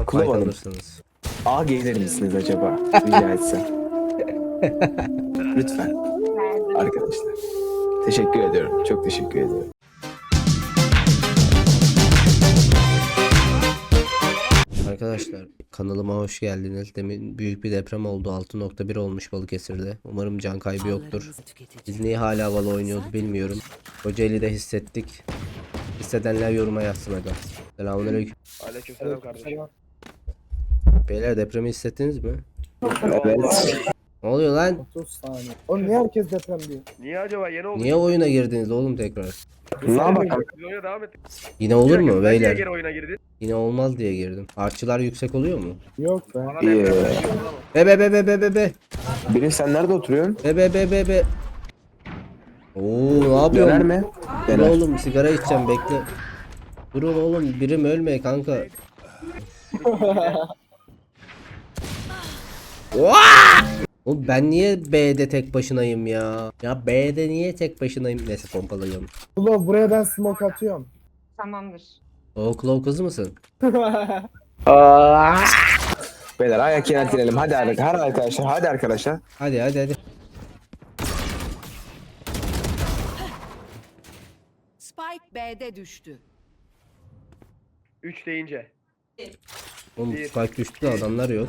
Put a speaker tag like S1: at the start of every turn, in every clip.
S1: fight
S2: Kullanalım.
S1: alırsınız.
S2: A gelir misiniz acaba? Rica etsem. Lütfen. Arkadaşlar. Teşekkür ediyorum. Çok teşekkür ediyorum.
S1: Arkadaşlar kanalıma hoş geldiniz. Demin büyük bir deprem oldu. 6.1 olmuş Balıkesir'de. Umarım can kaybı yoktur. Biz niye hala havalı oynuyoruz bilmiyorum. Kocaeli'de hissettik. Hissedenler yoruma yazsın hadi. Selamünaleyküm.
S3: Aleykümselam kardeşim.
S1: Beyler depremi hissettiniz mi?
S2: Evet.
S1: Ne oluyor lan?
S4: 30 saniye. Oğlum niye herkes deprem diyor?
S3: Niye acaba yeni oldu?
S1: Niye oyuna girdiniz oğlum tekrar?
S2: Ne yapalım?
S3: Biz oyuna devam ettik.
S1: Yine olur mu
S3: Sen niye
S1: beyler?
S3: geri oyuna girdin?
S1: Yine olmaz diye girdim. Artçılar yüksek oluyor mu?
S4: Yok be.
S3: Bana
S2: İyi.
S3: deprem şey oldu ama.
S1: Be be be be be be be.
S2: Birim sen nerede oturuyorsun?
S1: Be be be be be. Oo ne
S2: Döner
S1: yapıyorsun?
S2: mi?
S1: Dur
S2: Döner.
S1: oğlum sigara içeceğim bekle. Durun oğlum birim ölme kanka. Oğlum ben niye B'de tek başınayım ya? Ya B'de niye tek başınayım? Neyse pompalayalım.
S4: Ulan buraya ben smoke atıyorum.
S5: Tamamdır.
S1: O Claw kız mısın?
S2: Beyler ayak yöneltelim. Hadi arkadaşlar. Hadi arkadaşlar.
S1: Hadi hadi hadi.
S5: Spike B'de düştü.
S3: 3 deyince.
S1: Oğlum spike düştü de adamlar yok.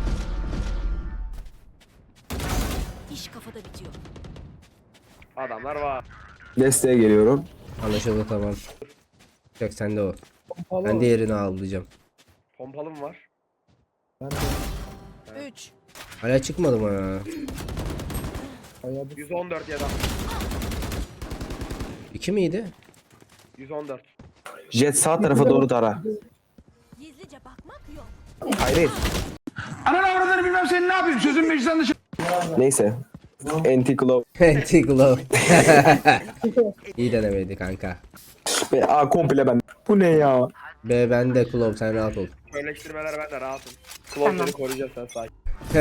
S5: İş kafada bitiyor.
S3: Adamlar var.
S2: Desteğe geliyorum.
S1: Anlaşıldı tamam. Çek sen de o.
S4: Pompalı
S1: Ben
S4: var.
S1: diğerini avlayacağım.
S3: Pompalım var.
S4: Ben de
S5: 3.
S1: Hala çıkmadı mı ya?
S4: bayağı bir
S3: 114 ya da.
S1: 2 miydi?
S3: 114.
S2: Jet sağ tarafa doğru tara.
S5: Gizlice bakmak yok.
S2: Hayır.
S6: Ananı avradını bilmem seni ne yapayım sözün meclisten dışı.
S2: Neyse. Anti-Claw.
S1: Anti-Glow. İyi denemeydi kanka.
S2: Ve A komple ben. Bu ne ya?
S1: B bende Glow sen rahat ol.
S3: Söyleştirmeler ben de rahatım. Klon seni koruyacağız sen sakin.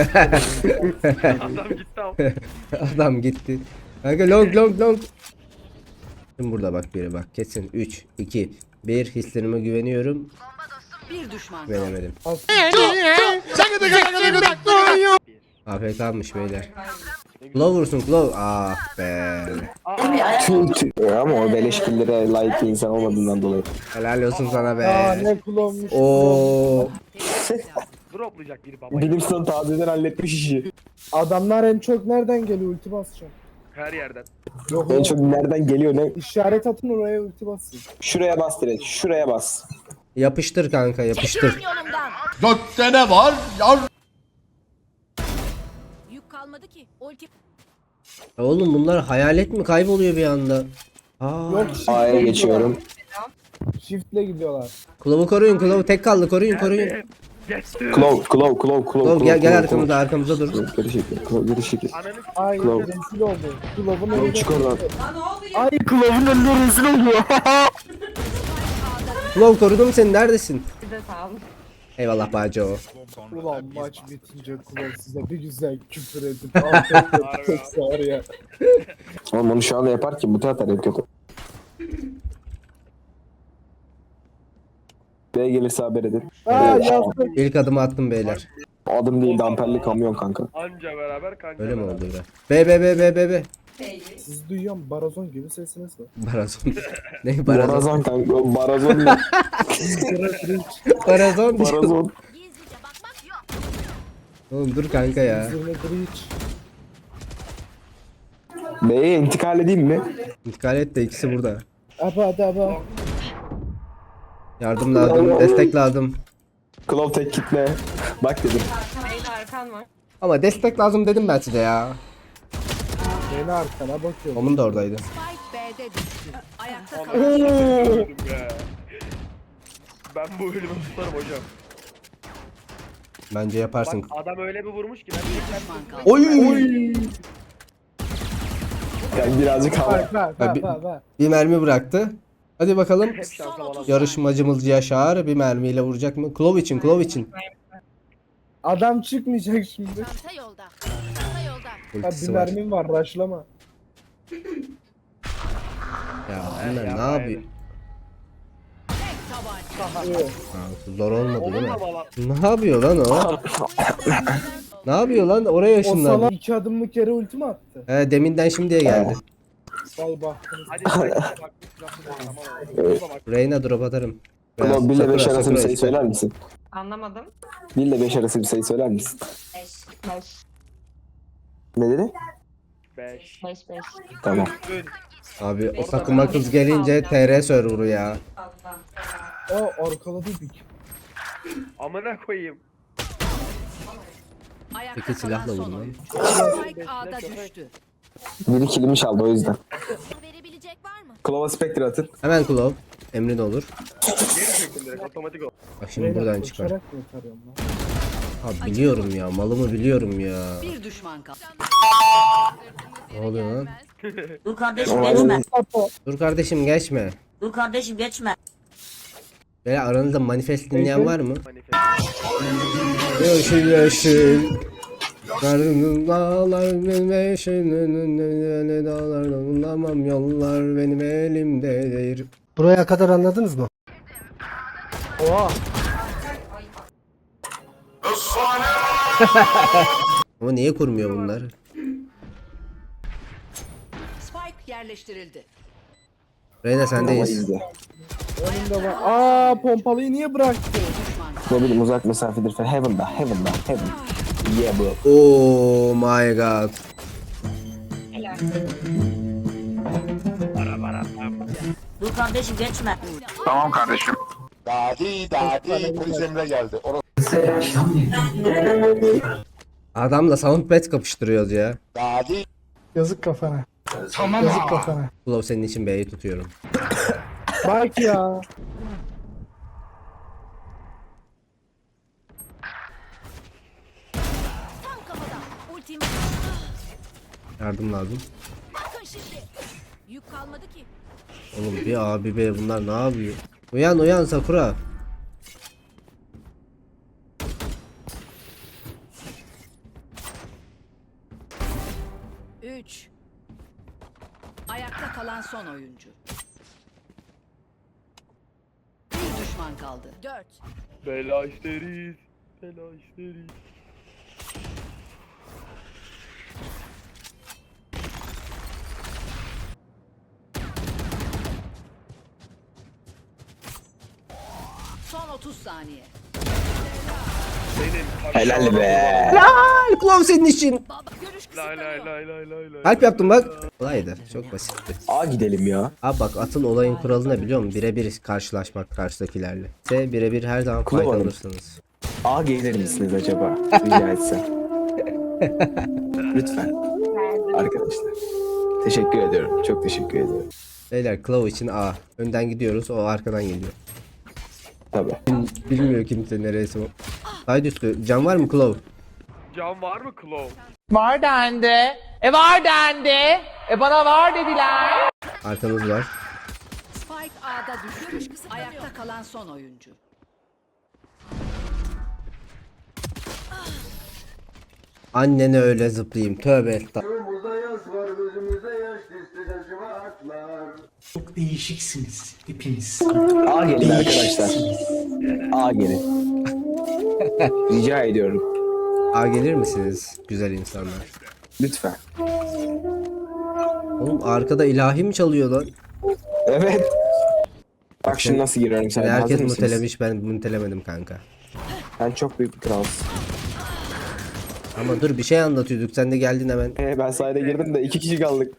S3: Adam gitti ama.
S1: Adam gitti. Kanka long long long. Şimdi burada bak biri bak. Kesin 3, 2, 1 hislerime güveniyorum.
S5: Bir düşman.
S1: Güvenemedim. AFK'mış beyler. Glow vursun Glow. Ah be.
S2: Ama o beleşkillere layık bir insan olmadığından dolayı.
S1: Helal olsun sana
S4: Aa
S1: be.
S4: ne kullanmış.
S1: Oo.
S3: Droplayacak biri baba.
S2: Bilim sonu tazeden halletmiş işi.
S4: Adamlar en çok nereden geliyor ulti basacağım.
S3: Her yerden.
S4: Yok
S2: En
S4: oğlum.
S2: çok nereden geliyor ne?
S4: İşaret atın oraya ulti basın.
S2: Şuraya bas direkt. Şuraya bas.
S1: Yapıştır kanka yapıştır.
S5: Yolumdan.
S6: Gökte ne var? Yar.
S5: Yük kalmadı ki. Ulti.
S1: Ya oğlum bunlar hayalet mi kayboluyor bir anda? Aa.
S4: Yok
S2: A'ya geçiyorum.
S4: Shift'le gidiyorlar.
S1: Glow'u koruyun Glow tek kaldı koruyun.
S3: Geçti.
S2: Claw.
S1: Gel arkamıza dur.
S2: Geri çekil. Claw geri çekil.
S3: Ananı
S4: Ay
S2: Claw.
S4: rezil oldu. Glow'un önünde.
S2: Çık oradan.
S4: Ay Glow'un önünde rezil oluyor.
S1: Glow korudum seni neredesin?
S5: Size sağ olun.
S1: Eyvallah bacı o.
S4: Ulan maç bitince Glow size bir güzel küfür edip afiyet çok sağır ya.
S2: Oğlum onu şu anda yapar ki bu taraftar en kötü. B gelirse haber edin.
S4: Aa yazdık.
S1: İlk adımı attım beyler.
S2: Adım değil damperli kamyon kanka.
S3: anca beraber kanka.
S1: Öyle mi
S3: beraber.
S1: oldu be? Be.
S4: Siz duyuyorum barazon gibi sesiniz var.
S1: Barazon. Ne barazon?
S2: Barazon kanka. Barazon ne?
S1: Barazon.
S2: Barazon.
S5: Gizlice bakmak yok.
S1: Oğlum dur kanka ya.
S4: Zirve breach.
S2: B'ye intikal edeyim mi?
S1: İntikal et de ikisi burada.
S4: Aba.
S1: Yardım lazım, destek lazım.
S2: Claw tek kitle. Bak dedim.
S5: Beyler arkan var.
S1: Ama destek lazım dedim ben size ya.
S4: Beni arkana bakıyorum.
S1: Onun da oradaydı.
S5: Spike B'de düştü. Ayakta
S3: Aman
S5: kalan.
S3: öldüm ya. Ben bu ölümü tutarım hocam.
S1: Bence
S3: Bak
S1: yaparsın.
S3: adam öyle bir vurmuş ki ben
S5: Düşman kaldı.
S1: Oy!
S2: Yani birazcık hava.
S4: Bak.
S1: Bir mermi bıraktı. Hadi bakalım.
S3: hep şansa bana.
S1: Yarışmacımız Yaşar bir mermiyle vuracak mı? Klov için.
S4: Adam çıkmayacak şimdi.
S5: Çanta yolda. Çanta yolda.
S4: Ha, bir
S1: Ultisi var.
S4: mermim var raşlama.
S1: Ya bunlar ne yapıyor?
S5: Tek tabanca.
S1: Zor olmadı değil mi?
S3: Onunla bala.
S1: Ne yapıyor lan o? Ne yapıyor lan? Oraya
S4: O
S1: ışınlandı.
S4: salak 2 adımlık yere ulti mi attı?
S1: Deminden şimdiye geldi.
S4: Vay baktınız.
S3: Hadi bak. Tamam. Tamam.
S1: Reyna drop atarım.
S2: Ulan 1 ile 5
S1: Sakura,
S2: arası bir
S1: Sakura
S2: sayı
S1: ister.
S2: söyler misin?
S5: Anlamadım.
S2: 1 ile 5 arası bir sayı söyler misin?
S5: 5.
S2: Ne dedi?
S3: 5.
S5: 5 5.
S2: Tamam.
S1: Abi o takıma kız gelince TR server'ı ya.
S4: O arkaladıydık.
S3: Amına koyayım.
S5: Ayakta
S1: Peki silahla
S5: kalan
S1: vurun
S5: son
S1: lan.
S5: oyuncu. Spike A'da düştü.
S2: Biri kilimi çaldı o yüzden.
S5: Verebilecek var mı?
S2: Klova Spectre atın.
S1: Hemen Klov. Emrin olur.
S3: Geri çektim direkt otomatik ol.
S1: Bak şimdi buradan çıkar.
S4: Uçarak mı atarıyorum lan?
S1: Abi biliyorum ya. Malımı biliyorum ya.
S5: Bir düşman kaldı.
S1: Ne oluyor lan?
S7: Dur kardeşim
S2: Olay
S7: geçme.
S2: değil.
S1: Dur kardeşim geçme.
S7: Dur kardeşim geçme.
S1: Böyle aranızda manifest dinleyen
S4: Peki.
S1: var mı?
S3: Manifest.
S1: Yeşil yeşil. Karnım dağlar benim yeşil dağlar bulamam yollar benim elimdedir.
S8: Buraya kadar anladınız mı?
S4: Oha.
S1: Ama niye kurmuyor bunlar?
S5: Spike yerleştirildi.
S1: Reyna
S2: Ama
S1: sendeyiz.
S2: izle.
S4: Önümde var. Aa pompalıyı niye bıraktı?
S5: Düşman kaldı.
S2: Ne bileyim uzak mesafedir falan. Heaven'da. Heaven. Yeah bro.
S1: Oh my god.
S7: Dur kardeşim geçme.
S6: Tamam kardeşim.
S2: Polis Emre geldi.
S1: Adamla soundpad kapıştırıyoruz ya.
S8: Yazık kafana.
S6: Tamam.
S8: Yazık kafana.
S1: Klov senin için B'yi tutuyorum.
S4: Bak ya.
S5: Tam kafada. Ultim.
S1: Yardım lazım.
S5: Bakın şimdi. Yük kalmadı ki.
S1: Oğlum bir abi be bunlar ne yapıyor? Uyan Sakura.
S5: Üç. Ayakta kalan son oyuncu. Bir düşman kaldı. 4.
S3: Bela isteriz. Bela isteriz.
S5: Son 30 saniye.
S3: Senin.
S2: Helal be.
S1: Klov senin için.
S5: Baba görüş
S3: Lay lay
S5: kısıtlanıyor.
S3: lay lay lay lay.
S1: Kalp yaptım bak. Kolaydı. Çok basitti.
S2: A gidelim ya.
S1: Abi bak atın olayın kuralı ne biliyor musun? Birebir karşılaşmak karşıdakilerle. Birebir her zaman
S2: Klov Hanım.
S1: faydalanırsınız.
S2: A gelir misiniz acaba? Rica etsem. Lütfen. Arkadaşlar. Teşekkür ediyorum. Çok teşekkür ediyorum.
S1: Beyler Klov için A. Önden gidiyoruz o arkadan geliyor.
S2: Tabii.
S1: Bilmiyor kimse neresi o. Side üstü. Can var mı Klov?
S3: Can var mı Claw?
S9: Var dendi. Var dendi. Bana var dediler.
S1: Arkanız var.
S5: Spike A'da düştü. Ayakta kalan son oyuncu.
S1: Annene öyle zıplayayım. Tövbe estağfurullah.
S8: Çok değişiksiniz hepiniz.
S2: A gelin arkadaşlar. A gelin. Rica ediyorum.
S1: A gelir misiniz güzel insanlar?
S2: Lütfen.
S1: Oğlum arkada ilahi mi çalıyor lan?
S2: Evet. Bak şimdi nasıl giriyorum sen.
S1: Herkes
S2: Hazır mısınız?
S1: mutelemiş ben mutelemedim kanka.
S2: Sen çok büyük bir kralsın.
S1: Ama dur bir şey anlatıyorduk sen de geldin hemen.
S2: Ben sahile girdim de 2 kişi kaldık.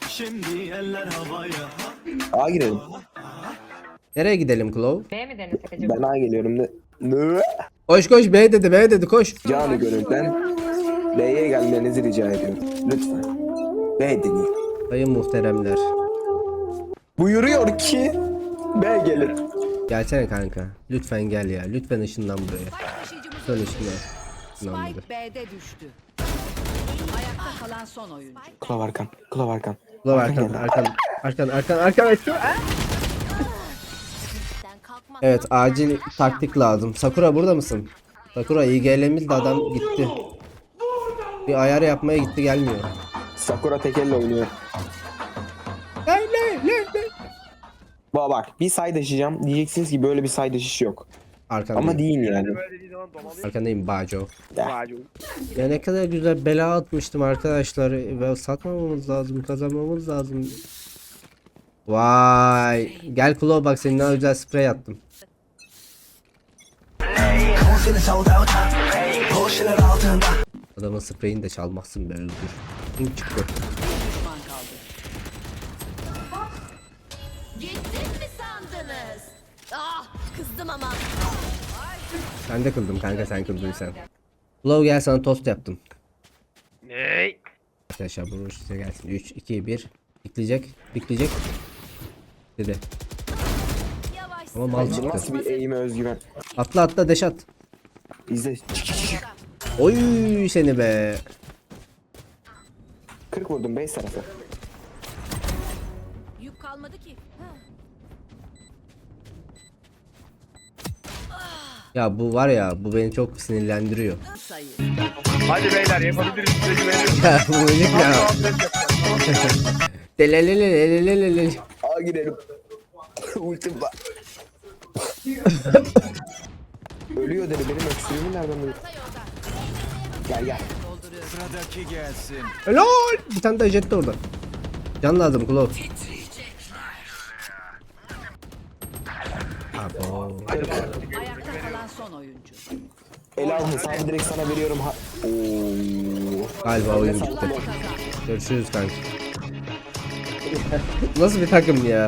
S2: A girelim.
S1: Nereye gidelim Klov?
S5: B mi denesek acaba?
S2: Ben A geliyorum. Ne?
S1: Koş koş B dedi koş.
S2: Canı gönülden B'ye gelmenizi rica ediyorum. Lütfen. B deneyin.
S1: Sayın muhteremler.
S2: Buyuruyor ki B gelin.
S1: Gelsene kanka. Lütfen gel ya. Lütfen ışınlan buraya.
S5: Spike taşıyıcımız
S1: Dön
S5: öldü.
S1: ışınlan. Işınlan
S5: Spike B'de düştü. Ayakta kalan son oyuncu.
S2: Kulav arkan. Kulav arkan.
S1: Klov arkan.
S5: Sen kalkmaz.
S1: Evet acil taktik lazım. Sakura burada mısın? Sakura IGL'miz de adam gitti. Bir ayar yapmaya gitti gelmiyor.
S2: Sakura tek elle oynuyor. Bak bir side açacağım. Diyeceksiniz ki böyle bir side açışı yok.
S1: Arkandayım.
S2: Ama değil yani.
S3: Böyle dediğin zaman domalıyım.
S1: Arkandayım Baco.
S3: Macun.
S1: Ya ne kadar güzel bela atmıştım arkadaşlar. Ve satmamamız lazım, kazanmamız lazım. Vay. Gel Klo bak senin daha güzel sprey attım. Adamın spreyini de çalmazsın be öldür. Kim çıktı?
S5: Düşman kaldı. Gittim mi sandınız? Ah, kızdım ama.
S1: Ben de kıldım kanka sen kıldıysan. Klo gel sana tost yaptım.
S3: Ney?
S1: Arkadaşlar bu size gelsin. 3, 2, 1. Bikleyecek. Bikleyecek. Dedi.
S5: Yavaş.
S1: Ama mal
S2: Nasıl
S1: çıktı.
S2: bir eğime özgüven.
S1: Atla atla deş at.
S2: İzle.
S1: Oy seni be.
S2: 40 vurdum base tarafı.
S5: Yük kalmadı ki.
S1: Ya bu var ya bu beni çok sinirlendiriyor.
S5: Sayı.
S3: Hadi beyler yapabiliriz size güveniyorum.
S1: Ya bu herif ya. Delelelelelelelele.
S2: Aa girelim. Ultim var. Ölüyor dedi benim öksürüğümü nereden duyuyor? Gel gel.
S1: Helal. Bir tane de jet de orada. Can lazım Klo. Abo.
S5: Ayakta kalan son oyuncu.
S2: Elal hesabı direkt sana veriyorum. Oo.
S1: Galiba oyun bitti. Görüşürüz kanka. Nasıl bir takım ya?